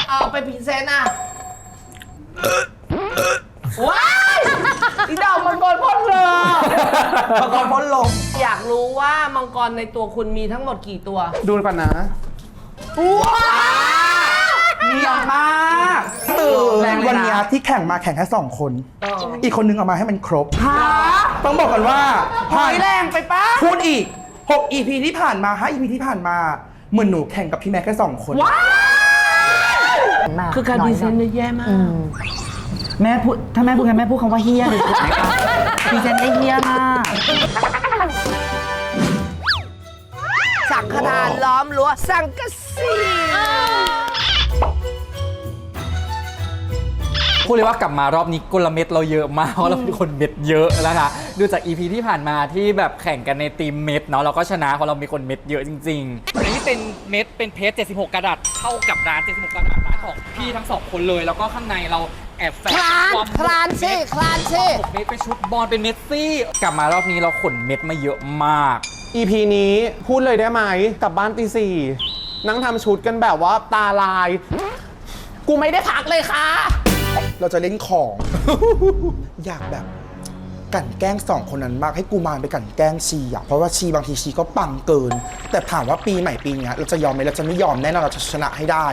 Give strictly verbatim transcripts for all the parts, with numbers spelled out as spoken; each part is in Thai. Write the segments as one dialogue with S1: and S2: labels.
S1: เอาไปพรีเซนต์อ่ะว้ายอีดาวมังกรพ่นเลยมังกรพ่นลมอยากรู้ว่ามังกรในตัวคุณมีทั้งหมดกี่ตัว
S2: ดูก่อนนะ
S1: ว้า
S2: เยอะมากตื่นวันนี้ที่แข่งมาแข่งแค่สองคนอีกคนนึงเอามาให้มันครบต้องบอกกันว่า
S1: ผ่านแรงไปปะ
S2: พูดอีกหก อี พี ที่ผ่านมาห้า อี พี ที่ผ่านมาเหมือนหนูแข่งกับพี่แม็กแค่สองคน
S1: ว้าคือการพรีเซนต์เนี่ยแย่มาก
S3: แม่พูดถ้าแม่พูดกันแม่พูดคำว่าเฮี้ยเลยถูกไหมคะพรีเซนต์ได้เฮี้ยมาก
S1: สังฆทานล้อมรั้วสังกะสี
S4: พูดเลยว่ากลับมารอบนี้กลเม็ดเราเยอะมากเพราะเราเป็นคนเม็ดเยอะนะคะดูจาก อี พี ที่ผ่านมาที่แบบแข่งกันในทีมเม็ดเนาะเราก็ชนะเพราะเรามีคนเม็ดเยอะจริงๆอันนี้เป็นเม็ดเป็นเพชรเจ็ดสิบหกกระดาษเท่ากับร้านเจ็ดสิบหกกระดาษร้านของพี่ทั้งสองคนเลยแล้วก็ข้างในเราแอบแฝงความ
S1: คลานซี่คลานซี่
S4: เม็ดเป็นชุดบอลเป็นเมสซี่กลับมารอบนี้เราขนเม็ดมาเยอะมาก
S2: อี พี นี้พูดเลยได้ไหมกลับบ้านตีสี่นั่งทำชุดกันแบบว่าตาลายกูไม่ได้พักเลยค่ะเราจะเล่นของ อยากแบบกั่นแกล้งสองคนนั้นมากให้กูมารไปกั่นแกล้งชีอ่ะเพราะว่าชีบางทีชีก็ปังเกินแต่ถามว่าปีใหม่ปีนี้เราจะยอมไหมเราจะไม่ยอมแน่นอนเราจะชนะให้ได้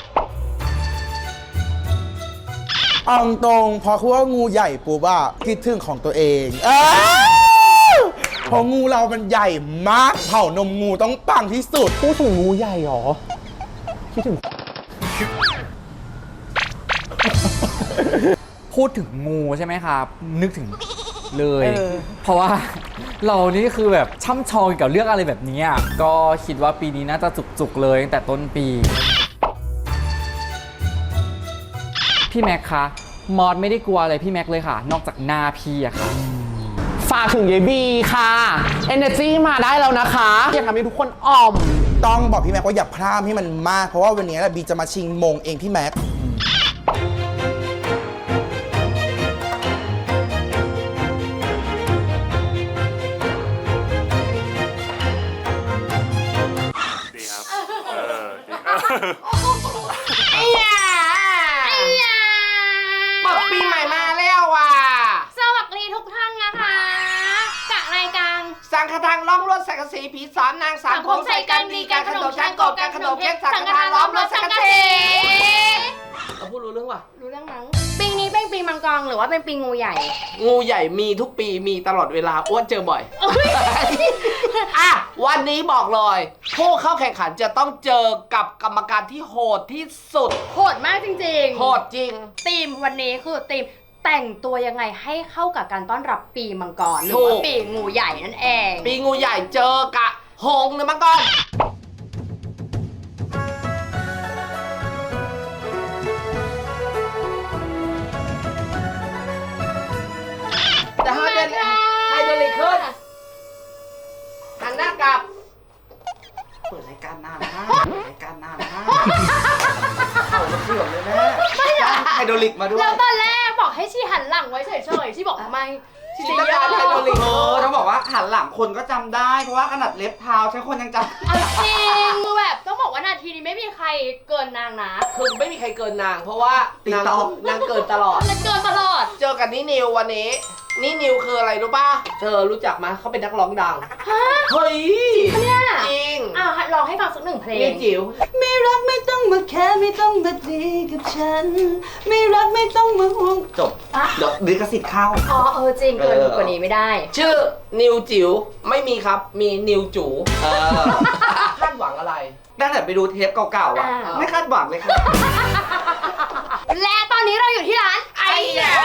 S2: เอาตรงพอคือว่างูใหญ่ปุ๊บอะคิดถึงของตัวเองเออพองูเรามันใหญ่มากเผ่านมงูต้องปังที่สุดพูดถึงงูใหญ่หรอคิดถึง
S4: พูดถึงงูใช่ไหมครับนึกถึงเลย เ, เพราะว่าเรานี่คือแบบช่ำชองกับเรื่องอะไรแบบนี้ก็คิดว่าปีนี้น่าจะจุกๆเลยตั้งแต่ต้นปีพี่แม็กคะมอสไม่ได้กลัวอะไรพี่แม็กเลยค่ะนอกจากหน้าพี่อะค่ะ
S2: ฝากถึงเยบีค่ะ Energy มาได้แล้วนะคะอยากทำให้ทุกคนอ่อมต้องบอกพี่แม็กว่าอย่าพลาดให้มันมากเพราะว่าวันนี้บีจะมาชิงมงเองพี่แม็ก
S1: ไอ้ยาไอ้ยาบอกปีใหม่มาแล้วว่ะ
S5: สวัสดีทุกท่านนะคะกับรายการ
S1: สังฆทานล้อมรั้วสังกะสีผีสามนางสามผมใส่กันดีการขนมชั้นกบการขนมเพชรสังฆทานล้อมรั้วสังกะสีเราพูดรู้เรื่องว่ะ
S5: รู้เรื่องมั้งปีนี้เป็นปีมังกรหรือว่าเป็นปีงูใหญ่
S1: งูใหญ่มีทุกปีมีตลอดเวลาอ้วนเจอบ่อยอ่ะวันนี้บอกเลยผู้เข้าแข่งขันจะต้องเจอกับกรรมการที่โหดที่สุด
S5: โหดมากจริงๆ
S1: โหดจริง
S5: ทีมวันนี้คือทีมแต่งตัวยังไงให้เข้ากับการต้อนรับปีมังกรหรือว่าปีงูใหญ่นั่นเอง
S1: ปีงูใหญ่เจอกะหงส์หรือมังกรจะให้เป็นไฮโดรลิกขึ้นหันหน้ากลับเปิดรายการนานมากเปิดรายการนานมากเขาเสื่อมเลยแม่ไฮโดรลิกมาด้วย
S5: แล้วตอนแรกบอกให้ชีหันหลังไว้เฉยๆชีบอกไม่
S1: ชีจะยอมไฮโดรลิก
S6: เออต้องบอกว่าหันหลังคนก็จำได้เพราะว่าขนาดเล็บเท้าใช้คนยังจำ
S5: จริงคือแบบต้องบอกว่านาทีนี้ไม่มีใครเกินนางนะ
S1: คือไม่มีใครเกินนางเพราะว่านางนางเกินตลอด
S5: นางเกินตลอด
S1: เจอกันนี่นิววันนี้นี่นิวคืออะไรรู้ป่ะเธอรู้จักมั้ยเขาเป็นนักร้องดัง
S5: ฮะ
S1: เฮ้ย
S5: จริงเนี่ย
S1: จริง
S5: อ้าวร้องให้ฟังสักหนึ่งเพลง
S1: นี่จิ๋ว
S6: ไม่รักไม่ต้องมาแค่ไม่ต้องมาดีกับฉันไม่รักไม่ต้องมาห่วงจบเดี๋ยวลิขสิทธิ์เข้า
S5: อ๋อเออจริงเกินกว่านี้ไม่ได้
S1: ชื่อนิวจิ๋วไม่มีครับมีนิวจู๋เออคาดหวังอะไร
S6: ตั้งแต่ไปดูเทปเก่าๆอ่ะไม่คาดหวังเลยครับ
S5: และตอนนี้เราอยู่ที่ร้านไอ้ยา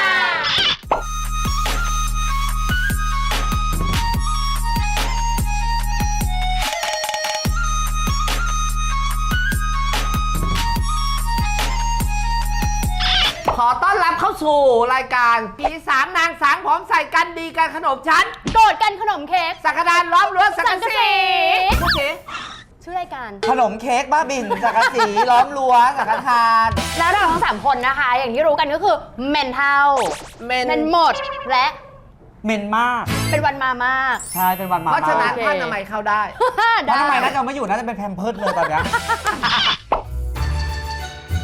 S1: ขอต้อนรับเข้าสู่รายการผีสามนางสางผมใส่กันดีกันขนมชั้น
S5: โดดกันขนมเค้ก
S1: สังฆทานล้อมรั้วสังกะสี
S5: โอเคชื่อรายการ
S6: ขนมเค้กบ้าบินสังกะสีล้อมรั้วสังฆทาน
S5: แล้วเราทั้งสามคนนะคะอย่างที่รู้กันก็คือเมนเท่าเมนหมดและ
S6: เมนมาก
S5: เป็นวันมามาก
S6: ใช่เป็นวันมา
S1: เพราะฉะนั้นท่านทำไมเข้าได้
S6: ท่านทำไมน่าจะไม่อยู่น่าจะเป็นแพมเพิร์ดเลยตอนนี้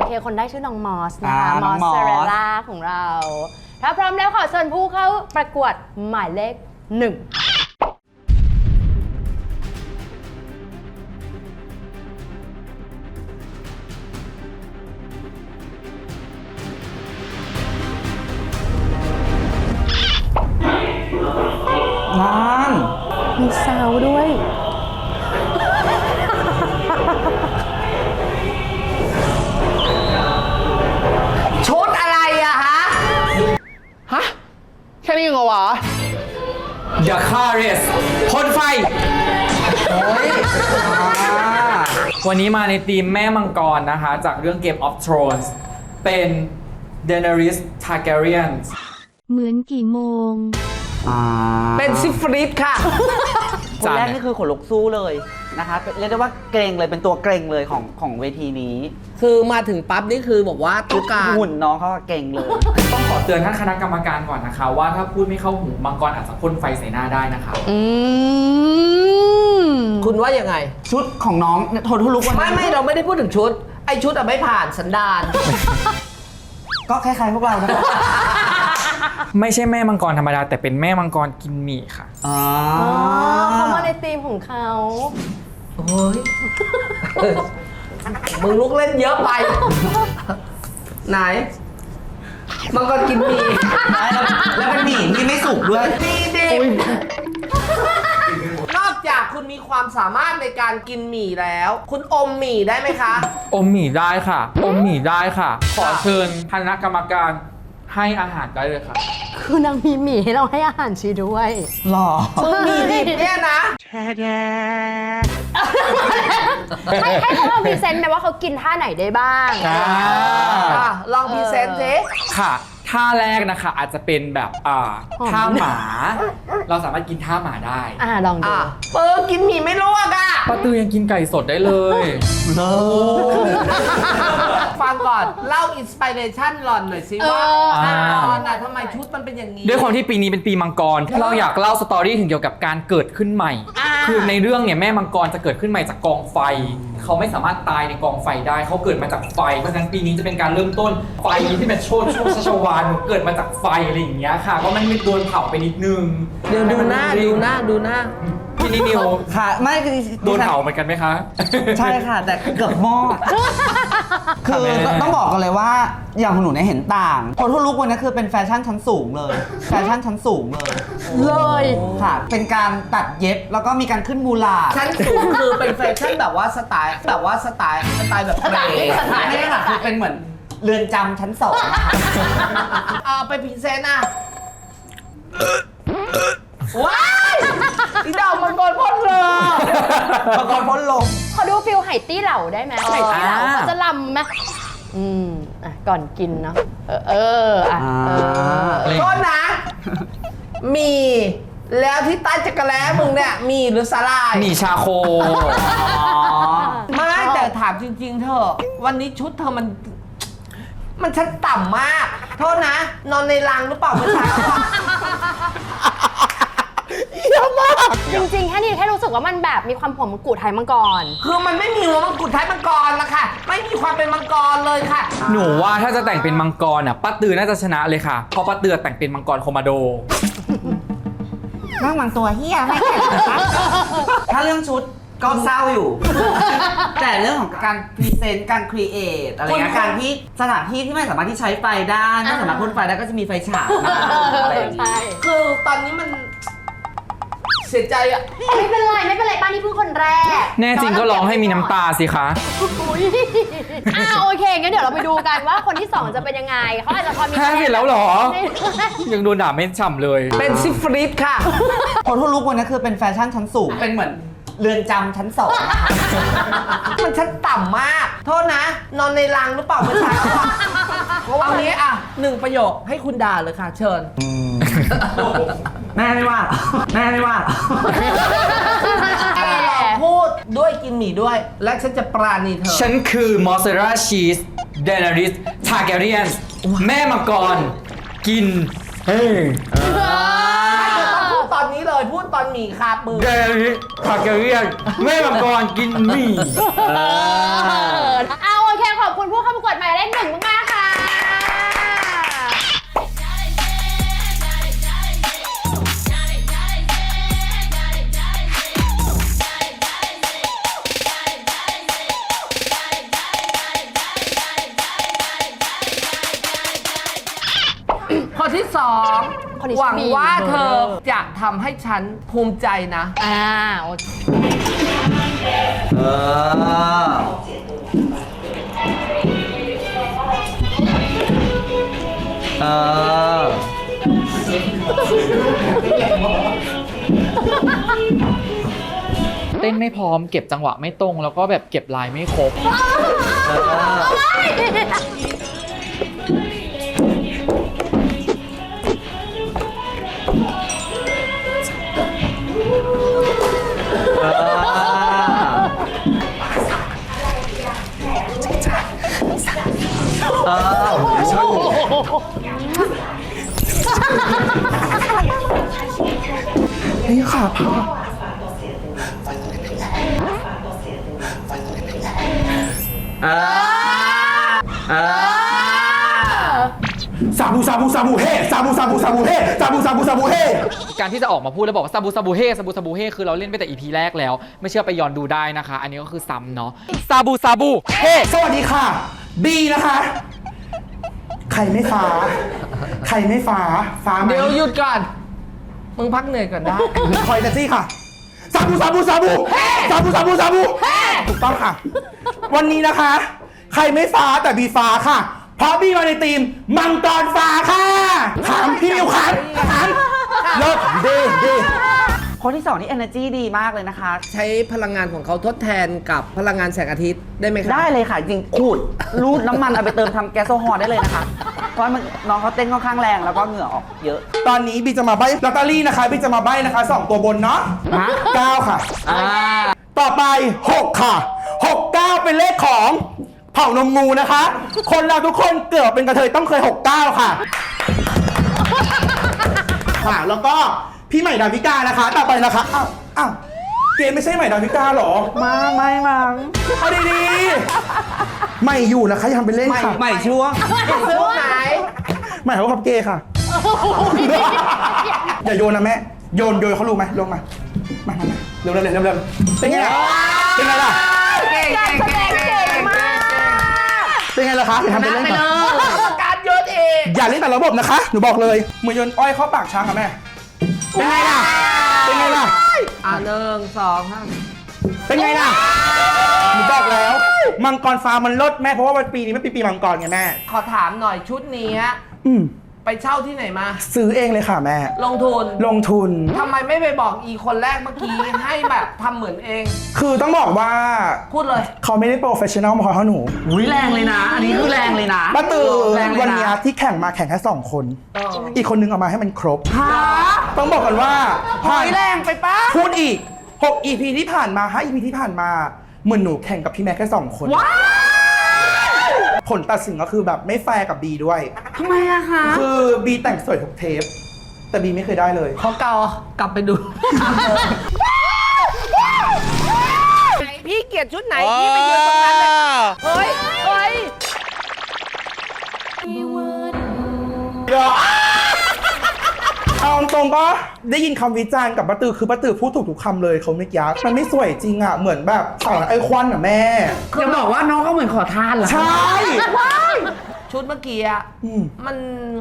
S5: เคคนได้ชื่อน้องมอสนะคะ
S3: อ่าม น้
S5: อ
S3: อง
S5: ส
S3: มอส
S5: เซเรล่าของเรา ถ้าพร้อมแล้วขอเชิญผู้เข้าประกวดหมายเลขหนึ่ง
S3: นั่น
S5: มีซาวด้วย
S1: ชุดอะไรอะฮะ ฮะ แค่นี้เหรอวะ
S4: The Chorus พ่นไฟ วันนี้มาในทีมแม่มังกรนะคะ จากเรื่อง Game of Thrones เป็น Daenerys Targaryen
S7: เหมือนกี่โมง
S3: อ่า
S1: เป็นซิฟริสค่ะ
S3: คนแรกนี่คือขนลุกสู้เลยนะคะเป็นเรียกได้ว่าเกรงเลยเป็นตัวเกรงเลยของของเวทีนี้
S1: คือมาถึงปั๊บนี่คือบอกว่าทุกการ
S3: หุ่นน้องเขาก็เกรงเลย
S4: ต้องขอเตือนท่านคณะกรรมการก่อนนะคะ ว่าถ้าพูดไม่เข้าหูมังกรอาจจะพ่นไฟใส่หน้าได้นะคะ
S5: อืม
S1: คุณว่ายังไง
S3: ชุดของน้องเนี่ยโทนทุลุกวัน
S1: ไม่
S3: นี้
S1: ไม่เราไม่ได้พูดถึงชุด ไอชุดอะไม่ผ่านสันดาน
S3: ก็คล้ายๆพวกเรานะ
S4: ไม่ใช่แม่มังกรธรรมดาแต่เป็นแม่มังกรกินหมี่ค่ะ
S3: อ๋อ
S5: อ๋อเขามาในธีมของเขา
S1: โอ้ย มึงลุกเล่นเยอะไป ไหน มันก็กินหมี่
S3: แล้วเป็นหมี่ที่ไม่สุกด้วย
S1: มีดิบนอกจากคุณมีความสามารถในการกินหมี่แล้ว คุณอมหมี่ได้ไหมคะ
S4: อมหมี่ได้ค่ะ อมหมี่ได้ค่ะ ขอเชิญคณะกรรมการให้อาหารได้เลยค่ะ
S5: คือนางมีหมี่ให้เราให้อาหารชีด้วย
S3: หล่อ
S1: คือหมี่ดิบเนี่ยนะ
S5: ให้ให้เขาลองพรีเซนต์ไหมว่าเขากินท่าไหนได้บ้าง
S4: อ่า
S1: อ่ะ ลองพรีเซนต์สิ
S4: ค่ะ ท่าแรกนะคะอาจจะเป็นแบบอ่า
S5: หอม
S4: ท่าหมา เราสามารถกินท่าหมาได้
S5: อ่าลองดู
S1: อ่ะเปิดกินหมี่ไม่ลวกอ่ะ
S4: ป้าตือยังกินไก่สดได้เลย
S1: ฟังก่อน เล่าอินสปิเรชันหล่อนหน่อยสิว่า
S5: เออ
S1: หน้า
S4: อ่า
S1: ตอนน่ะทำไมชุดมันเป็นอย่างนี้
S4: ด้วยความที่ปีนี้เป็นปีมังกร เราอยากเล่าสตอรี่ถึงเกี่ยวกับการเกิดขึ้นใหม่
S5: อ่า
S4: คือในเรื่องเนี่ยแม่มังกรจะเกิดขึ้นใหม่จากกองไฟ เขาไม่สามารถตายในกองไฟได้ เขาเกิดมาจากไฟ เพราะฉะนั้นปีนี้จะเป็นการเริ่มต้นไฟที่เป็นโชดช่วงชัชวาลเกิดมาจากไฟอะไรอย่างเงี้ยค่ะ ก็มันมีโดนเผาไปนิดนึง
S1: เดี๋ยวดูหน้าดูหน้าดูหน้า
S4: พี่นิว
S3: ค่ะ ไม่คือ
S4: โดนเผาเหมือนกันไหมคะ
S3: ใช่ค่ะ แต่เกือบมอด คือ
S4: แม่
S3: ต้องบอกกันเลยว่าอย่างของหนูเนี่ยเห็นต่างโทนทุลุกวันนี้คือเป็นแฟชั่นชั้นสูงเลย แฟชั่นชั้นสูงเลย
S5: เลย
S3: ค่ะ เป็นการตัดเย็บแล้วก็มีการขึ้นมูลาด
S1: ชั้นสูงคือเป็นแฟชั่นแบบว่าสไตล์แบบว่าสไตล์สไตล์แบบเกรย์
S5: สไตล์
S3: ไม่ได้ค่ะคือเป็นเหมือนเรือนจำชั้นสองค่ะ
S1: เอาไปพรีเซนต์อ่ะว้ายอีดอกมังกรพ่นเลย
S3: มังกรพ้นลม
S5: เขาดูฟิลไหตี้เหล่าได้ไหมไหตี้เหล่าเขาจะลำไหมอืมอ่ะก่อนกินเนาะเออเอออ่ะเออ
S1: โทษนะ มีแล้วที่ใต้จักรแล้มึงเนี่ยมีหรือสาลาย
S4: หมี่ชาโค
S1: ไม่แต่ถามจริงๆเธอะวันนี้ชุดเธอมัน มันชั้นต่ำมาก โทษนะ นอนในรังหรือเปล่าเมื่อเช้าอะ
S2: เยอะมาก
S5: จริงๆ แค่นี้แค่รู้สึกว่ามันแบบมีความผมกูไทยมังกร
S1: คือมันไม่มีหัวมังกรท้ายมังกรละค่ะ ไม่มีความเป็นมังกรเลยค่ะ
S4: หนูว่าถ้าจะแต่งเป็นมังกรอ่ะป้าตือน่าจะชนะเลยค่ะ เพราะป้าตือแต่งเป็นมังกรโคมาโด
S3: นั่งบางตัวเฮียไม่แข่งนะคะถ้าเรื่องชุดก็เศร้าอยู่ แต่เรื่องของการพรีเซนต์การครีเอทอะไรเงี้ยการที่สถานที่ที่ไม่สามารถที่ใช้ไฟได้ไม่สามารถพ่นไฟได้ก็จะมีไฟฉายมาอะไรอย่าง
S5: ใช่
S3: งี้
S1: คือตอนนี้มัน เสียใจอะ
S5: ไม่เป็นไรไม่เป็นไรป้านี่เพิ่งคนแรก
S4: แน่จริงก็ร้องให้มีน้ำตาสิคะ
S5: อุ๊ยอ่าโอเคงั้นเดี๋ยวเราไปดูกันว่าคนที่สองจะเป็นยังไงเขาอาจจะพอมี
S4: ห้าสิบแล้วเหรอ
S5: ใน
S4: ยังโดนด่าไม่ฉ่ำเลย
S1: เป็นซิฟริสค่ะ
S3: โทนทุลุกวันนี้คือเป็นแฟชั่นชั้นสูง เป็นเหมือนเรือนจำชั้นสองนะคะ
S1: มันชั้นต่ำมาก โทษนะ นอนในรังหรือเปล่าเมื่อเช้าอะเอานี้อ่ะหนึ่งประโยคให้คุณด่าเลยค่ะ เชิญ
S3: แม่ไม่ว่าหรอแม่ไม่ว่าหรอ
S1: แต่ลองพูดด้วยกินหมี่ด้วย และฉันจะปราณีเธอ
S4: ฉันคือมอสซาเรลล่าชีสเดนาริสทาร์แกเรียนแม่มังกร กินเฮ้ย
S1: พูดตอนนี้เลยพูดตอนหมี่คามือ
S4: เดนาริสทาร์แกเรียนแม่มังกรกินหมี่
S5: เอาโอเคขอบคุณผู้เข้าประกวดหมายเลขหนึ่งมากๆค่ะ
S6: คนที่สอง
S5: คนที่
S6: หวัง
S5: มี
S6: ว่าเธอ
S5: เบอร์
S6: จะทำให้ฉันภูมิใจนะ
S5: อ่าโอเค
S3: เออ เออ
S4: เต้นไม่พร้อมเก็บจังหวะไม่ตรง แล้วก็แบบเก็บลายไม่ครบ
S3: เออ เออ
S2: นี่ค่ะพ่อ
S3: เออ เออ
S2: ซาบูซาบูซาบูเฮซาบูซาบูซาบูเฮซาบูซาบูซาบูเฮ
S4: การที่จะออกมาพูดแล้วบอกว่าซาบูซาบูเฮซาบูซาบูเฮคือเราเล่นไปแต่ อี พี แรกแล้ว ไม่เชื่อไปย้อนดูได้นะคะ อันนี้ก็คือซ้ำเนาะซาบูซาบูเฮ
S2: สวัสดีค่ะ บีนะคะ ใครไม่ฟ้า ใครไม่ฟ้า ฟ้าไหม
S6: เดี๋ยวหยุดก่อน มึงพักเหนื่อยก่อนได้
S2: คอยเจซี่ค่ะซาบูซาบูซาบูซาบูซาบูซาบูถูกต้องค่ะ วันนี้นะคะ ใครไม่ฟ้าแต่บีฟ้าค่ะ เพราะบีมาในทีมมังกรฟ้าค่ะถามพี่มิวครับถามเลิศดีดี
S3: คนที่สองนี่ energy ดีมากเลยนะคะ
S6: ใช้พลังงานของเขาทดแทนกับพลังงานแสงอาทิตย์ได้ไหมครับ
S3: ได้เลยค่ะ จริงขูดรูดน้ำมันเอาไปเติมทำแก๊สโซฮอล์ได้เลยนะคะ เพราะมันน้องเขาเต้นค่อนข้างแรงแล้วก็เหงื่อออกเยอะ
S2: ตอนนี้บีจะมาใบ้ลอตเตอรี่นะคะบีจะมาใบ้นะคะสองตัวบนเนาะ
S3: ฮะ
S2: เก้าค่ะ
S3: อ่า
S2: ต่อไปหกค่ะหกเก้าเป็นเลขของเผ่านมงูนะคะ คนเราทุกคนเกิดเป็นกระเทยต้องเคยหกเก้าค่ะค่ะ แล้วก็พี่ใหม่ดาวิกานะคะ ต่อไปนะคะอ้าวอ้าวเกณฑ์ไม่ใช่ใหม่ดาวิกาเหรอ
S3: มาไม่มัง
S2: เอาดีๆใหม่อยู่นะคะอย่าทำเป็นเล่นค่ะ
S3: ใหม่ช่วง
S6: ช่วงไหน
S2: ใหม่เขาขับเกย์ค่ะ อย่าโยนนะแม่โยนโยนเขารู้ไหมลงมามามามาเร็วเร็วเร็วเร็วเร็วเป็นไงล่ะเป็นไงล่ะ
S6: เก่งเก่งเก่งเก่งมาก
S2: เป็นไงล่ะคะอย่าทำเป็นเล่นค่ะ
S6: การโยนเอง
S2: อย่าเล่นแต่ระบบนะคะ หนูบอกเลยเหมือนโยนอ้อยเข้าปากช้างค่ะแม่ เป็นไงล่ะ เป็นไงล่ะ
S6: อ่ะหนึ่งสองห้า
S2: เป็นไงล่ะ หนูบอกแล้ว มังกรฟ้ามันลดแม่เพราะว่าวันปีนี้มันปีปีมังกรไงแม่
S6: ขอถามหน่อยชุดนี้
S2: อืม
S6: ไปเช่าที่ไหนมา
S2: ซื้อเองเลยค่ะแม่
S6: ลงทุน
S2: ลงทุน
S6: ทำไมไม่ไปบอกอีคนแรกเมื่อกี้ ให้แบบทำเหมือนเอง
S2: คือต้องบอกว่า
S6: พูดเลย
S2: เขาไม่ได้โปรเฟชชั่นอลมาเขาหนู
S3: อุ้ยแรงเลยนะ อันนี้คือแรงเลยนะ
S2: ป้าตือ
S3: แรงเลยนะ
S2: วันเนี้ยที่แข่งมาแข่งแค่สองคน
S6: เออ
S2: อีกคนนึงเอามาให้มันครบ
S3: ฮะ
S2: ต้องบอกกันว่า
S3: หอยแรงไปปะ
S2: พูดอีกหก อี พี ที่ผ่านมาห้า อี พี ที่ผ่านมาเหมือนหนูแข่งกับพี่แม็กแค่สองคน
S3: ว้าว
S2: ผลตัดสินก็คือแบบไม่แฟร์กับบีด้วย
S3: ทำไมอะคะ
S2: คือบีแต่งสวยทุกเทป แต่บีไม่เคยได้เลย
S6: ขอเกากลับไปดู พี่เกลียดชุดไหน พี่ไปยืนตรงนั้นเลยเฮ้ยเฮ้ย
S2: เอาตรงๆก็ได้ยินคำวิจารณ์กับป้าตือคือป้าตือพูดถูกทุกคำเลยเขาไม่ยักมันไม่สวยจริงอ่ะ เหมือนแบบสาวไอควันอ่ะแม่
S3: จะบอกว่าน้องก็เหมือนขอทานเหรอ
S2: ใช่
S6: ชุดเมื่อกี้อะ
S2: อืม
S6: มัน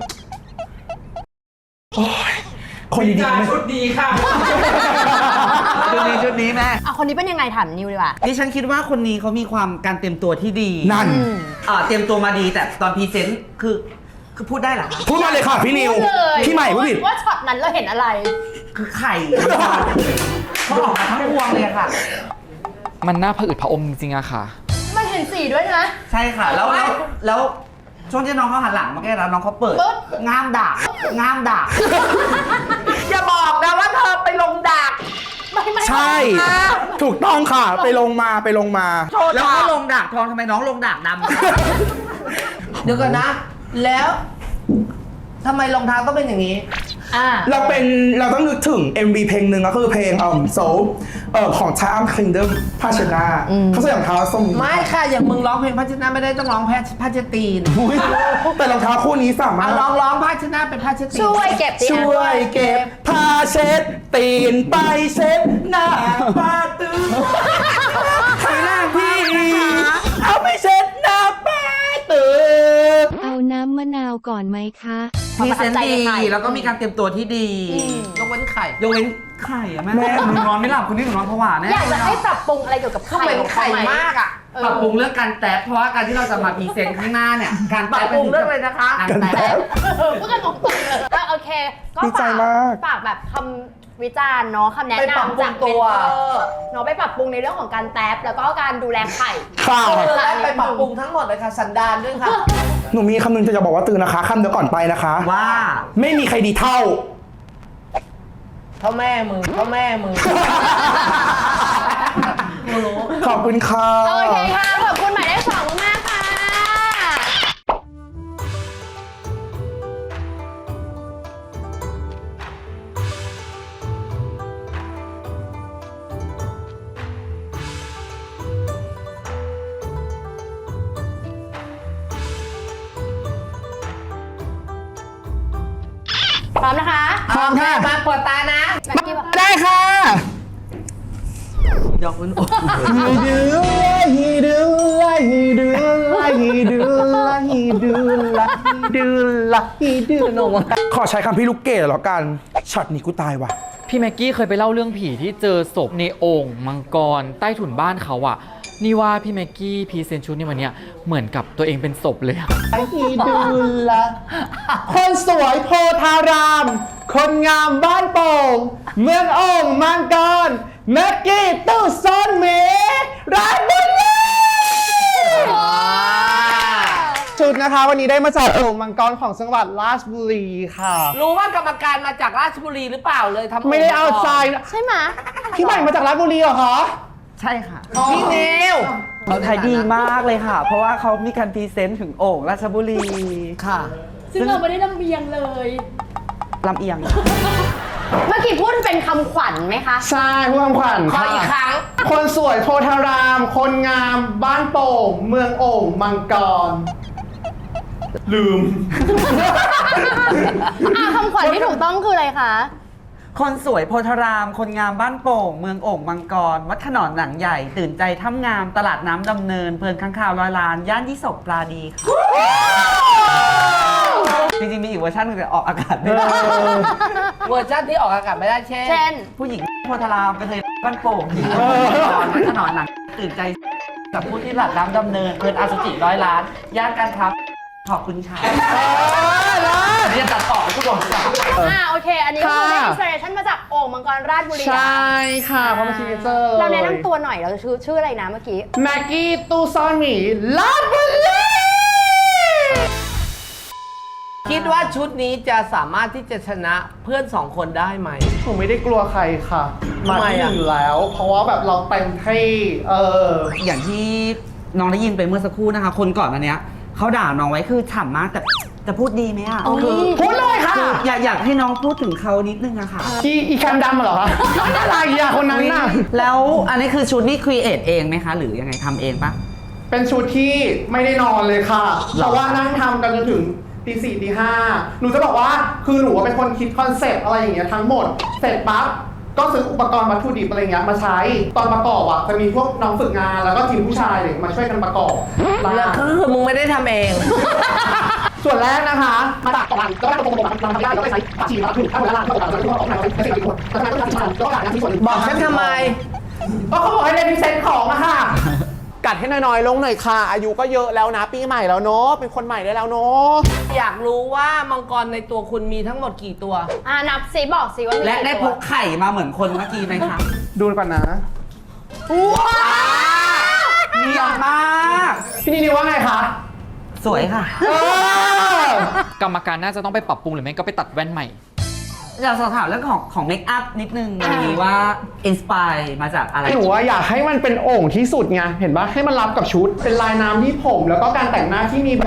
S2: โอ้ยคนดีๆไม่
S4: ชุดดีค่ะ
S3: ชุดนี้ชุดนี้แม่
S5: อ่ะคนนี้เป็นยังไงถามนิวดีกว่า
S3: ดิฉันคิดว่าคนนี้เขามีความการเตรียมตัวที่ดี
S2: นั่น
S3: อ่าเตรียมตัวมาดีแต่ตอนพรีเซนต์คือคือพูดได้เหรอคะ
S2: พูดมาเลยค่ะพี่นิว
S5: พูดเลย
S2: พี่ใหม่พูดผิด
S5: ว่าช็อตนั้นเราเห็นอะไร
S3: คือไข่เขาออกมาทั้งพวงเลยอะค่ะ
S4: มันน่าผะอืดผะอมจริงๆอะค่ะ
S5: มันเห็นสีด้วยนะ
S3: ใช่ค่ะ แล้วแล้วแล้วช่วงที่น้องเขาหันหลังมาแก้แล้วน้องเขาเปิด
S5: ปึ๊บ
S3: ง่ามด่างง่ามด่าง
S6: อย่าบอกนะว่าเธอไปลงดัก
S5: ไม่ไม่
S2: ใช่ ถูกต้องค่ะ ไปลงมาไปลงมา
S3: แล้วก็ลงด่างทองทำไมน้องลงด่างดำ
S6: เดี๋ยวก่อนนะ แล้วทำไมรองเท้าต้องเป็นอย่างนี้
S5: อ่า
S2: เราเป็นเราต้องนึกถึง เอ็ม วี เพลงหนึ่งก็คือเพลงเอ่อโซเอ่อของชาอัมคิงเดมภาชนะเขาใส่รองเท้าส้ม
S1: ไม่ค่ะ อย่างมึงร้องเพลงพาชนะไม่ได้ต้องร้องแพทพาชตีน
S2: อุ๊ยแต่รองเท้าคู่นี้สามาร
S1: เอา
S2: ถ
S1: ร้องร้องพาชนะเป็นพาชตีน
S5: ช่วยเก็บดิ
S2: ช่วยเก็บผ้าเช็ดตีนไปเช็ดหน้าป้าตื้อให้หน้าพี่เอาไปเช็ดหน้าป้าตื้อ
S7: เอาน้ำมะนาวก่อนไหมคะ
S3: พรีเซนต์ดีแล้วก็มีการเตรียมตัวที่ดี
S1: ยกเว้นไข่
S3: ยกเว้นไข่อะแม่แม่หนูนอนไม่หลับคุณนี่หนูนอนผวาแน่
S5: อยากจะให้ปรับปรุงอะไรเกี่ยวกับ
S1: เขา
S5: ไข่
S1: เป็น
S5: ของ
S1: ไข่
S5: เขาไหม
S1: มากอ่ะ
S3: ปรับปรุงเรื่องการแตะเพราะว่าการที่เราจะมาพรีเซนต์ข้างหน้าเนี่ยการ
S1: ปรับปรุงเรื่องอะไรนะคะ
S3: การแตะ
S5: เออพูดกันตรงๆเลยก็โอเค ก็
S2: ดีใจ
S5: ฝาก
S2: มาก
S5: ฝากแบบคำวิจารณ์เนาะคำแนะ
S1: ไปปรับ
S5: นำ
S1: ปรุ
S5: จาก
S1: ง
S5: เม
S1: ตั
S5: น
S1: ว
S5: เทอร์เนาะไปปรับปรุงในเรื่องของการแท็บแล้วก็การดูแลไข่
S2: ค่ะ
S1: เออและไปปรับปรุงทั้งหมดเลยค่ะ สันดานด้วยค่ะ
S2: หนูมีคำหนึงจะบอกว่าตื่นนะคะคำเดียวก่อนไปนะคะ
S3: ว่า
S2: ไม่มีใครดีเท่า
S1: เท่าแม่มึงเท่าแม่มึง
S2: ขอบคุณค่ะ
S5: โอเคค่ะ ขอบคุณหมายเลขสองมากๆค่ะ พร้อมนะคะ
S2: พร้อมค่ะ
S1: มาเปิดตานะ
S5: แม็กกี้บอก
S2: ได้ค่ะ
S3: ดอกมันโอ้
S2: ฮีดูฮีดูฮีดูฮีดูฮีดูฮีดูฮีดูนงขอใช้คำพี่ลูกเกดแล้วกันช็อตนี้กูตายว่ะ
S4: พี่แม็กกี้เคยไปเล่าเรื่องผีที่เจอศพในโอ่งมังกรใต้ถุนบ้านเขาอะนี่ว่าพี่แม็กกี้พรีเซนต์ชุดในวันเนี้ยเหมือนกับตัวเองเป็นศพเลยอะ
S2: ฮีดูละคนสวยโพธาราม คนงามบ้านโป่ง เมืองโอ่งมังกรแม็กกี้ตู้ซ่อนเมราชบุรีชุดนะคะวันนี้ได้มาจากโอ่งมังกรของจังหวัดราชบุรีค่ะ
S1: รู้ว่ากรรมการมาจากราชบุรีหรือเปล่าเลยทำ
S2: ไม่ได้เอาใจนะ
S5: ใช่ไหม
S2: พี่ใหม่มาจากราชบุรีเหรอคะ
S3: ใช่ค่ะ
S1: พี่นิว
S3: เขาขายดีมากเลยค่ะ เพราะว่าเขามีการพรีเซนต์ถึงโอ่งราชบุรีค่ะ
S5: ซึ่งเราไม่ได้ลำเบียงเลย
S3: ลำเอียง
S5: เมื่อกี้พูดเป็นคำขวัญไหมคะ
S2: ใช่ผู้คำขวัญ
S1: ขออีกครั้ง
S2: คนสวยโพธาราม คนงามบ้านโป่ง เมืองโอ่งมังกร ลืม
S5: อ่ะคำขวัญที่ถูกต้องคืออะไรคะ
S3: คนสวยโพธาราม คนงามบ้านโป่ง เมืองโอ่งมังกร วัดขนอนหนังใหญ่ ตื่นใจถ้ำงาม ตลาดน้ำดำเนิน เพลินข้างข่าวร้อยล้าน ย่านยี่สกปลาดีค่ะ จริงๆ มีอีกเวอร์ชันหนึงแต่ออกอากาศไม่ได้
S1: เวอร์ชันที่ออกอากาศไม่ได้เช่น
S5: เช่น
S3: ผู้หญิงโพธารามกระเทยบ้านโป่งวัดขนอนหนังตื่นใจกับผู้ที่ตลาดน้ำดำเนิน เพลินอาสุจิร้อยล้าน ย่านการค้าขอบคุณค่ะเรียนตัดต่อทุกคน
S5: อ่าโอเค อันนี้ก็คือได้
S2: ค่ะ
S5: อินสปิเรชันมาจากโอ่งมังกรราชบุรี
S2: ใช่ค่ะเพราะมันซิกเนเจอร์
S5: เราแนะนำตัวหน่อยเราจะชื่อชื่ออะไรนะเมื่อกี้
S2: แม็กกี้ตู้ซ่อนหมีราชบุรี
S1: คิดว่าชุดนี้จะสามารถที่จะชนะเพื่อนสองคนได้ไหม
S2: ผมไม่ได้กลัวใครค่ะ มา
S1: ทำไม
S2: ที่ห
S1: อะ
S2: นึ่งอยู่แล้ว เพราะว่าแบบเราเต็มที่เออ
S3: อย่างที่น้องได้ยินไปเมื่อสักครู่นะคะ คนก่อนอันเนี้ยเขาด่าน้องไว้คือฉ่ำมากแต่จะพูดดีไหมอ่ะ
S5: โอ้ย
S3: คือ
S2: พูดเลยค่ะ
S3: คืออยากอยากให้น้องพูดถึงเขานิดนึงอะค่ะ
S2: อีอีแคมดำเหรอคะอะไรอะคนนั้นน่ะ
S3: แล้วอันนี้คือชุดนี่ครีเอทเองไหมคะ หรือยังไงทำเองปะ
S2: เป็นชุดที่ไม่ได้นอนเลยค่ะ
S3: หรอ
S2: เพราะว่านั่งทำกันจนถึงตีสี่ตีห้าหนูจะบอกว่าคือหนูเป็นคนคิดคอนเซปต์อะไรอย่างเงี้ยทั้งหมด เสร็จปั๊บก็ซื้ออุปกรณ์วัตถุดิบอะไรเงี้ยมาใช้ตอนประกอบอ่ะจะมีพวกน้องฝึกงานแล้วก็ทีมผู้ชายเลยมาช่วยกันประกอบ
S1: แล้วคือมึงไม่ได้ทำเอง
S2: ส่วนแรกนะคะมาตักก่อนก็ได้ตรงๆทำได้แล้วก็ใช้ผักชีมะพริกข้าวเวลาที่เราจะต้องออกมาเป็นสิ่งที่ควรแต่ทำไมต้องทำก็การที่ส่วน
S1: บอกฉันทำไม
S2: ก็เขาบอกให้เล่นพิเศษของอะค่ะ กัดให้น้อยๆลงหน่อยค่ะ อายุก็เยอะแล้วนะปีใหม่แล้วเนาะเป็นคนใหม่ได้แล้วเนาะ
S1: อยากรู้ว่ามังกรในตัวคุณมีทั้งหมดกี่ตัว
S5: อ่านับสิบอกสิว่ามี
S3: และ
S5: กี่
S3: ได้พ
S5: ตัว
S3: กไข่มาเหมือนคนเมื่อกี้ไหมคะ
S2: ดูก่อนนะ
S3: เนียนมาก
S2: พี่นิวว่าไงคะ
S3: สวยค่ะ
S2: เออก
S4: รรมการน่าจะต้องไปปรับปรุงหรือไม่ก็ไปตัดแว่นใหม่
S3: อยากสอบถามเรื่องของของเมคอัพนิดนึงอันนี้ว่าอินสปายมาจากอะไร
S2: หนูว่าอยากให้มันเป็นโอ่งที่สุดไงเห็นปะให้มันรับกับชุด เป็นลายน้ำที่ผม แล้วก็การแต่งหน้าที่มีแบบ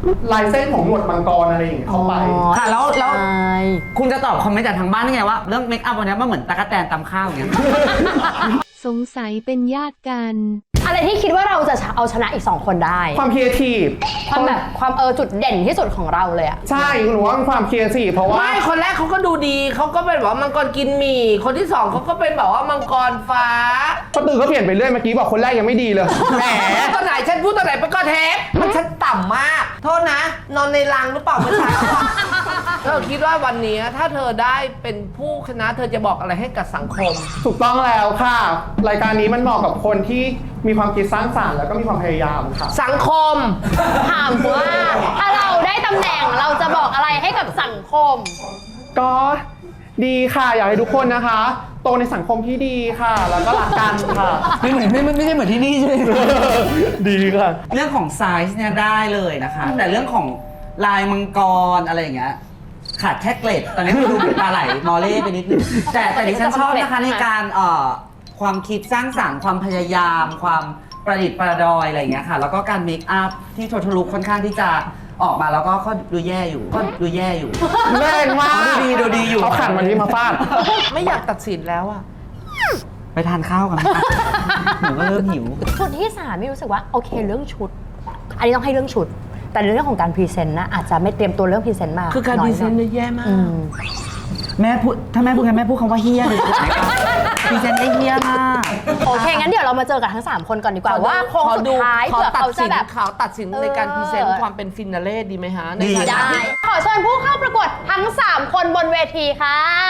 S2: ลายเส้นของหนวดมังกรอะไรอย่างเงี้ยเข้าไป
S3: ค่ะแล้วแล้ว
S5: ใช่
S3: คุณจะตอบคอมเมนต์จากทางบ้านได้ไงว่าเรื่องเมคอัพวันนี้มันเหมือนตะกั่วแตนตำข้าวอย่างเงี้ย
S7: สงสัยเป็นญาติกัน
S5: อะไรที่คิดว่าเราจะเอาชนะอีกสองคนได้
S2: ความครีเอทีฟ
S5: ความแบบความเออจุดเด่นที่สุดของเราเลยอะ
S2: ใช่หนูว่าเป็นความครีเอทีฟเพราะว่า
S1: ไม่คนแรกเขาก็ดูดีเขาก็เป็นแบบว่ามังกรกินหมี่คนที่สองเขาก็เป็นแบบว่ามังกรฟ้า
S2: ก็ตื่นก็เปลี่ยนไปเรื่อยเมื่อกี้บอกคนแรกยังไม่ดีเลยแหม
S1: ตอนไหนฉันพูดตอนไหนไปก็เทปมันฉันต่ำมาก โทษนะ นอนในรังหรือเปล่าเมื่อเช้าอะเธอคิดว่าวันนี้ถ้าเธอได้เป็นผู้ชนะเธอจะบอกอะไรให้กับสังคม
S2: ถูกต้องแล้วค่ะ รายการนี้มันเหมาะกับคนที่มีความคิดสร้างสรรค์แล้วก็มีความพยายามค่ะ
S1: สังคม
S5: ถามว่าถ้าเราได้ตำแหน่งเราจะบอกอะไรให้กับสังคม
S2: ก็ดีค่ะอยากให้ทุกคนนะคะ โตในสังคมที่ดีค่ะ แล้วก็รักกันค่ะ
S3: ไม่เหมือนไม่ไม่ใช่เหมือนที่นี่ใช่ไหม
S2: ดีค่ะ
S3: เรื่องของไซส์เนี่ยได้เลยนะคะ แต่เรื่องของลายมังกรอะไรอย่างเงี้ยขาดแค่เกล็ดตอนนี้มันดูเป็นปลาไหลมอเล่ไปนิดนึงแต่แต่ดิฉันชอบนะคะในการเอ่อความคิดสร้างสรรค์ความพยายาม ความประดิษฐ์ประดอยอะไรอย่างเงี้ยค่ะ แล้วก็การเมคอัพที่โททะลุค่อนข้างที่จะออกมาแล้วก็ก็ดูแย่อยู่ก็ดูแย่อยู่
S2: แรงมาก
S3: ดูดีดูดีอยู่
S2: เขาขันวันนี้มาฟาด
S1: ไม่อยากตัดสินแล้วอะ
S3: ไปทานข้าวกันไหมคะหนูก็เริ่มหิว
S5: ชุดที่สามมีรู้สึกว่าโอเคเรื่องชุด อันนี้ต้องให้เรื่องชุด แต่ในเรื่องของการพรีเซนต์นะอาจจะไม่เตรียมตัวเรื่องพรีเซนต์มา
S1: คือการ
S5: อย
S1: ดีไซน์
S5: ห
S1: เนี่ยแย่มาก
S5: อืม
S3: แม่พูดถ้าแม่พูดกันแม่พูดคำว่าเฮี้ยเลยถูกไหมคะพรีเซนต์ได้เฮี้ยมาก
S5: โอเคงั้นเดี๋ยวเรามาเจอกับทั้งสามคนก่อนดีกว่าว่าโค้งสุดท้าย
S1: ขอ
S5: เผื่อ
S1: ตัด
S5: เขาจะ
S1: สิน
S5: แบบ
S1: ขอตัดสินในการพรีเซน
S5: เอ
S1: ต์
S5: อ
S1: ความเป็นฟินาเล่ดีไหมฮะใน
S3: ดี
S1: ฐานะ
S5: ได้
S1: ที่
S5: ขอเชิญผู้เข้าประกวดทั้งสามคนบนเวทีค่ะ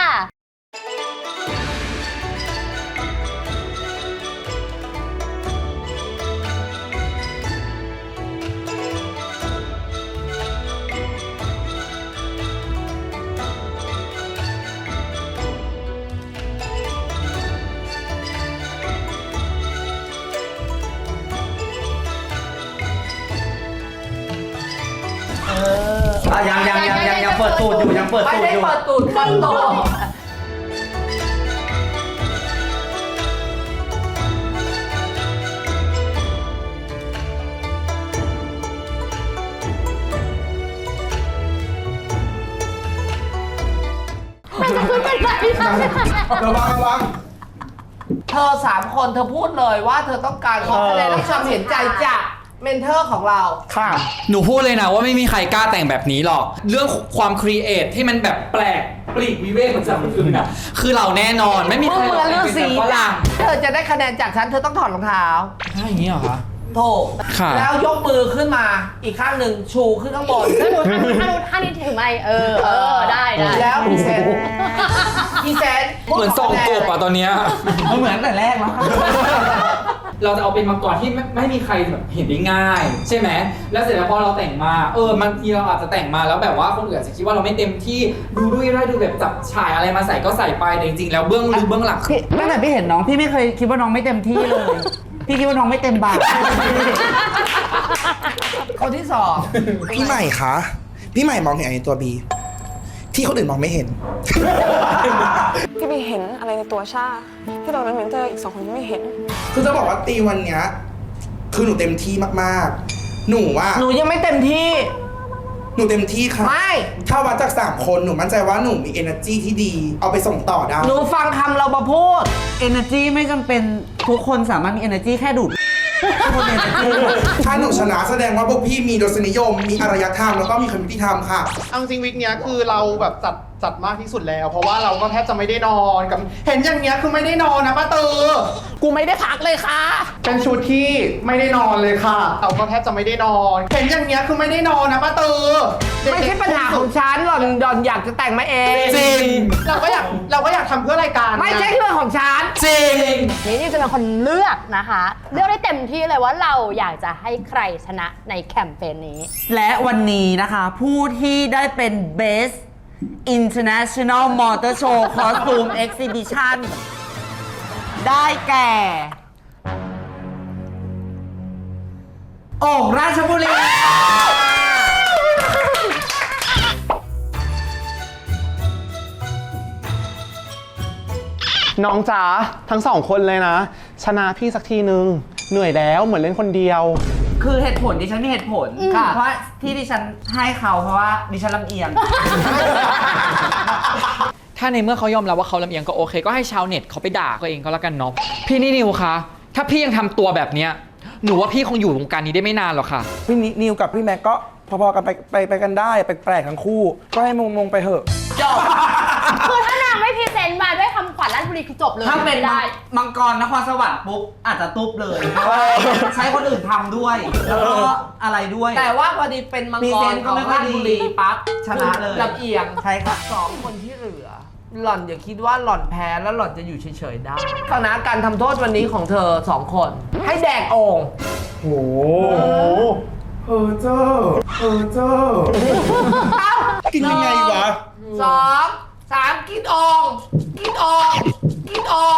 S3: อ่ะยังยังยังยังยังเปิดตูดอยู่ยังเปิด
S1: ไม่
S3: ตูด
S1: ได้
S3: อยู่
S1: เปิดตูดเปิดตัว
S5: มันจะขึ้นเป็นไร
S2: ระวังระวัง
S1: เธอสามคนเธอพูดเลยว่าเธอต้องการขอคะแนนและความเห็นใจจากเมนเทอร์ของเรา
S2: ค่ะ
S4: หนูพูดเลยนะว่าไม่มีใครกล้าแต่งแบบนี้หรอก เรื่องความครีเอทที่มันแบบแปลกปลีกวิเวกมันจากคนอื่นอะคือเราแน่นอนไม่มี
S1: มึ
S4: ใค
S1: ง
S4: ร
S1: เหมือนฤาษี
S4: หรอก
S1: จ้ะเธอจะได้คะแนนจากฉันเธอต้องถอดรองเท้า
S4: ใช่อย่างนี้เหรอคะ
S1: โถ
S4: ค่ะ
S1: แล้วยกมือขึ้นมาอีกข้างหนึ่งชูขึ้นข้างบน
S5: แล้วหนูท่านู้นท่านู้นท่านี้ถือไม้เออเออได้ได้
S1: แล้วพรีเซนต์พรีเซนต์
S4: เหมือนส่งกบอะตอนเนี้ย
S3: มันเหมือนแต่แรกแล้ว
S4: เราจะเอาเป็นมังกรที่ไม่ไม่มีใครแบบเห็นได้ง่าย ใช่ไหมแล้วเสร็จแล้วพอเราแต่งมาเออบางทีเราอาจจะแต่งมาแล้วแบบว่าคนอื่นอาจจะคิดว่าเราไม่เต็มที่ดูด้วยได้ดูแบบจับฉายอะไรมาใส่ก็ใส่ไปแต่จริงๆแล้วเบื้องลึกเบื้องหลัง
S3: พี่ตั้งแต่พี่เห็นน้องพี่ไม่เคยคิดว่าน้องไม่เต็มที่เลย พี่คิดว่าน้องไม่เต็มบาท
S1: คนที่สอง
S8: พี่ใหม่คะ พี่ใหม่มองเห็นอะไรในตัวบี ที่คนอื่นมองไม่เห็น
S9: พี่บีเห็นอะไรในตัวชาที่เราเป็นเมนเทอร์อีกสองคนไม่เห็น
S8: คือจะบอกว่าตีวันเนี้ยคือหนูเต็มที่มากๆ หนูว่า
S1: หนูยังไม่เต็มที่
S8: หนูเต็มที่ค่ะ
S1: ไม่
S8: ถ้าวัดจากสามคนหนูมั่นใจว่าหนูมี energy ที่ดี เอาไปส่งต่อได้
S1: หนูฟังคำเรามาพูด
S3: energy ไม่จำเป็นทุกคนสามารถมี energy แค่ดูดทุกคนมี energy
S8: ถ้าหนูชนะแสดงว่าพวกพี่มีรสนิยม มีอารยธรรมแล้วก็มีความยุติธรรมค่ะ
S2: เอาจริงวิกเนี้ยคือเราแบบจัดจัดมากที่สุดแล้ว เพราะว่าเราก็แทบจะไม่ได้นอนกับเห็นอย่างเงี้ยคือไม่ได้นอนนะป้าตือ
S1: กูไม่ได้พักเลยค่ะ
S2: เป็นชุดที่ไม่ได้นอนเลยค่ะ เราก็แทบจะไม่ได้นอน เห็นอย่างเงี้ยคือไม่ได้นอนนะป้าตือ
S1: ไม่ใช่ปัญหาของฉันหล่อนหล่อนอยากจะแต่งมาเอง
S4: จริง
S2: เราก็อยากเราก็อยากทำเพื่อรายการ
S1: ไม่ใช่เรื่องของฉัน
S4: จริง
S5: นี่นี่จะเป็นคนเลือกนะคะ เลือกได้เต็มที่เลยว่าเราอยากจะให้ใครชนะในแคมเปญนี้
S3: และวันนี้นะคะ ผู้ที่ได้เป็น Best International Motor Show Costume Exhibition ได้แก่โอ่งราชบุรี
S2: น้องจ๋าทั้งสองคนเลยนะ ชนะพี่สักทีนึง เหนื่อยแล้วเหมือนเล่นคนเดียว
S3: คือเหตุผลดิฉันมีเหตุผล
S5: อืม
S3: เพราะที่ดิฉันให้เขาเพราะว่าดิฉันลำเอียง
S4: ถ้าในเมื่อเขายอมรับว่าเขาลำเอียงก็โอเค ก็ให้ชาวเน็ตเขาไปด่าก็เองก็แล้วกันเนาะพี่นิวคะถ้าพี่ยังทำตัวแบบเนี้ยหนูว่าพี่คงอยู่วงการนี้ได้ไม่นานหรอกค่ะ
S8: พี่นิวกับพี่แม็กก็พอๆกันไปไปไปกันได้แปลกๆทั้งคู่ ก็ให้มงมงไปเถอะ
S5: จบคือถ้านางไม่พรีเซนต์มาด้วยคำขวัญราชบุรีคือจบเลย
S3: ถ้าเป็น
S5: ได้
S3: มังกรนครสวรรค์ปุ๊บอาจจะตุ๊บเลยเพราะว่าใช้คนอื่นทำด้วย แล้วก็อะไรด้วย
S1: แต่ว่าพอดีเป็นมัง
S3: พรี
S1: ก
S3: เซ
S1: ร
S3: นต์
S1: ข
S3: ก็
S1: อง
S3: ไม่ค่อย
S1: ราช
S3: ดี
S1: บุรีปั๊บ
S3: ชนะเลย
S1: ลำเอียง
S3: ใช่ค่ะ
S1: สองคนที่เหลือ หล่อนอย่าคิดว่าหล่อนแพ้แล้วหล่อนจะอยู่เฉยๆได้คณะการทำโทษวันนี้ของเธอสองคน ให้แดกโอ่ง
S8: โอ้เออเจ้าเออเจ้ากินยังไงวะ
S1: สองสามกินโอ่งกินโอ่งกินโอ่ง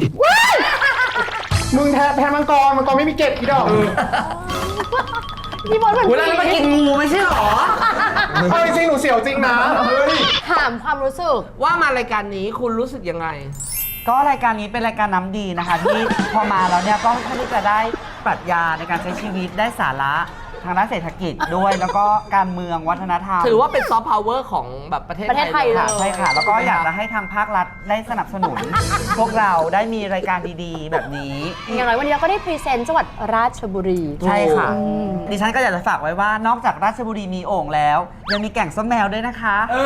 S2: มึงแพ้แพ้มังกรมังกรไม่มีเกล็ดพี่ดอก
S5: พี่บอลเหมือน
S3: เวลามากินงูไม่ใช่หรอ
S2: เฮ้ยจริงหนูเสียวจริงนะเฮ้ย
S5: ถามความรู้สึก
S1: ว่ามารายการนี้คุณรู้สึกยังไง
S3: ก็รายการนี้เป็นรายการน้ำดีนะคะ ที่พอมาแล้วเนี่ยก็ค่อนข้างที่จะได้ปรัชญาในการใช้ชีวิตได้สาระทางด้านเศรษฐกิจด้วย แล้วก็การเมืองวัฒนธรรม
S1: ถือว่าเป็นซอฟต์พาวเวอร์ของแบบประเทศ
S5: ประเทศไทย
S1: ล
S3: ค่ะใช่ค่ะ แล้วก็อยากจะให้ทางภาครัฐได้สนับสนุน พวกเราได้มีรายการดีๆ แบบนี้
S5: อย่างไรวันนี้เราก็ได้พรีเซนต์จังหวัดราชบุรี
S3: ใช่ค่ะ
S5: อืม
S3: ดิฉันก็อยากจะฝากไว้ว่านอกจากราชบุรีมีโอ่งแล้ว ยังมีแก่งส้มแมวด้วยนะคะ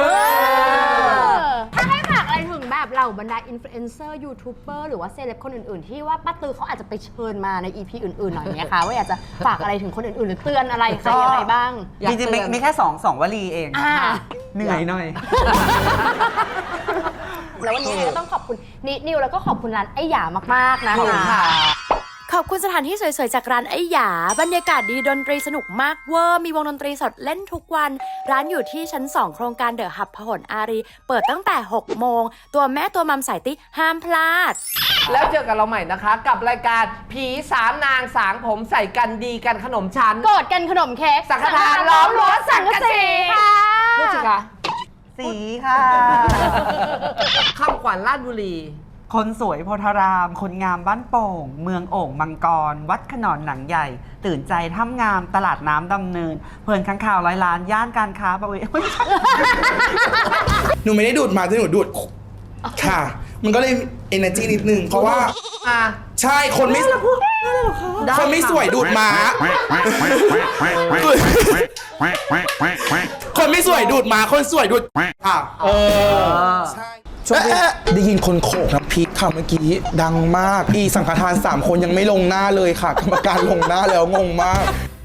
S5: ถ้าให้ฝากอะไรถึงแบบเหล่าบรรดาอินฟลูเอนเซอร์ยูทูบเบอร์หรือว่าเซเลบคนอื่นๆ ที่ว่าป้าตือเขาอาจจะไปเชิญมาใน อี พี อื่นๆหน่อยเนี่ยค่ะว่าอยากจะฝากอะไรถึงคนอื่นๆ หรือเตือนอะไรใครยังไงบ้าง
S3: จริงๆไม่ไม่แค่สองสองวลีเอง
S5: อ่า
S3: เหนื่อยหน่อย
S5: แล้ววันนี้ก็ต้องขอบคุณนินิวแล้วก็ขอบคุณร้านไอ้หยามากๆนะ
S1: ขอบคุณค่ะ
S5: ขอบคุณสถานที่สวยๆจากร้านไอ้หยาบรรยากาศดีดนตรีสนุกมากเวอร์มีวงดนตรีสดเล่นทุกวัน ร้านอยู่ที่ชั้น สอง โครงการเดอะฮับพหลอารี เปิดตั้งแต่ หก โมง ตัวแม่ตัวมัมสายติ๊กห้ามพลาด
S1: แล้วเจอกันเราใหม่นะคะ กับรายการผีสามนางสางผมใส่กันดีกันขนมชั้น
S5: โกรธกันขนมเค้ก
S1: สังฆทานล้อมรั้วสังกะสี
S5: ค่ะ
S1: พูดสิคะ
S3: สีค่ะ
S1: คำขวัญราชบุรี
S3: คนสวยโพธาราม คนงามบ้านโป่ง เมืองโอ่งมังกร วัดขนอนหนังใหญ่ ตื่นใจถ้ำงามตลาดน้ำดำเนิน เพลินข้างข่าวร้อยล้าน ย่านการค้าบริเวณ
S8: หนูไม่ได้ดูดมาแต่หนูดูดค่ะ มันก็เลย energy นิดนึง เพราะว่า
S1: อ่ะ
S8: ใช่คนไม่คนไม่สวยดูดม้า คนไม่สวยดูดม้าคนสวยดูดอ่ะ
S2: เออ
S8: ใช่ช่วงได้ยินคนโขกน้ำพริกค่ะเมื่อกี้ดังมากอีสังฆทานสามคนยังไม่ลงหน้าเลยค่ะ กรรมการลงหน้าแล้วงงมาก